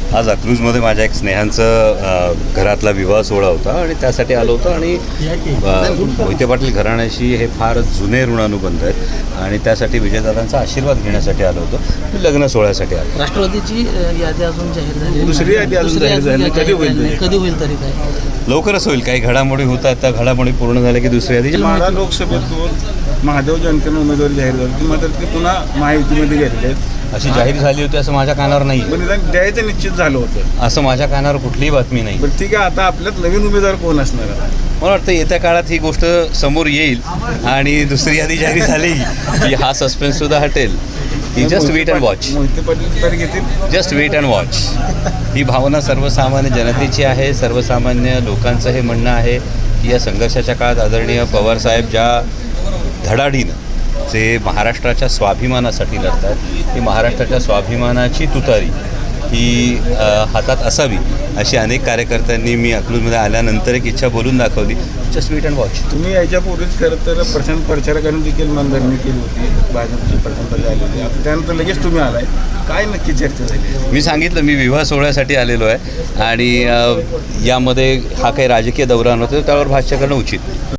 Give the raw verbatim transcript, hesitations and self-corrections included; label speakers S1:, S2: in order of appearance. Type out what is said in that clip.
S1: आज अकलूजमध्ये माझ्या एक स्नेहांचं घरातला विवाह सोहळा होता आणि त्यासाठी आलो होतो. आणि मोहिते पाटील घराण्याशी हे फार जुने ऋणानुबंध आहेत आणि त्यासाठी विजयदादांचा आशीर्वाद घेण्यासाठी आलो होतो. मी लग्न सोहळ्यासाठी आलो.
S2: राष्ट्रवादीची यादी अजून जाहीर झाली,
S3: दुसरी यादी अजून जाहीर झाली, कधी होईल
S2: कधी होईल तरी काय?
S1: लवकरच होईल. काही घडामोडी होतात, त्या घडामोडी पूर्ण झाल्या की दुसरी यादी.
S3: माढा लोकसभेतून महादेव जानकरांना उमेदवारी जाहीर झाली, मात्र ते पुन्हा महायुतीमध्ये गेलेले आहेत.
S1: अशी जाहीर झाली होती असं माझ्या कानावर नाही,
S3: पण निदान द्यायचं निश्चित झालं होतं.
S1: असं माझ्या कानावर कुठलीही बातमी नाही.
S3: पण ठीक आहे, आता आपल्यात नवीन उमेदवार कोण असणार आहे?
S1: मला वाटतं येत्या काळात ही गोष्ट समोर येईल आणि दुसरी यादी जाहीर झाली की हा सस्पेन्ससुद्धा हटेल. ही just wait and watch.
S3: Mohite Patil तर घेतील.
S1: Just wait and watch. ही भावना सर्वसामान्य जनतेची आहे. सर्वसामान्य लोकांचं हे म्हणणं आहे की या संघर्षाच्या काळात आदरणीय पवारसाहेब ज्या धडाडीनं जे महाराष्ट्राच्या स्वाभिमानासाठी लढतात, ही महाराष्ट्राच्या स्वाभिमानाची तुतारी ही हातात असावी अशी अनेक कार्यकर्त्यांनी मी अकलूजमध्ये आल्यानंतर एक इच्छा बोलून दाखवली. Just wait and watch.
S3: तुम्ही याच्यापूर्वीच खरं तर प्रशांत प्रचारकांनी देखील मनधरणी केली होती, भाजपची प्रशांत आलेली. आता त्यानंतर लगेच तुम्ही आलाय, काय नक्की चर्चा झाली?
S1: मी सांगितलं मी विवाह सोहळ्यासाठी आलेलो आहे आणि यामध्ये हा काही राजकीय दौरा नव्हता, त्यावर भाष्य करणं उचित.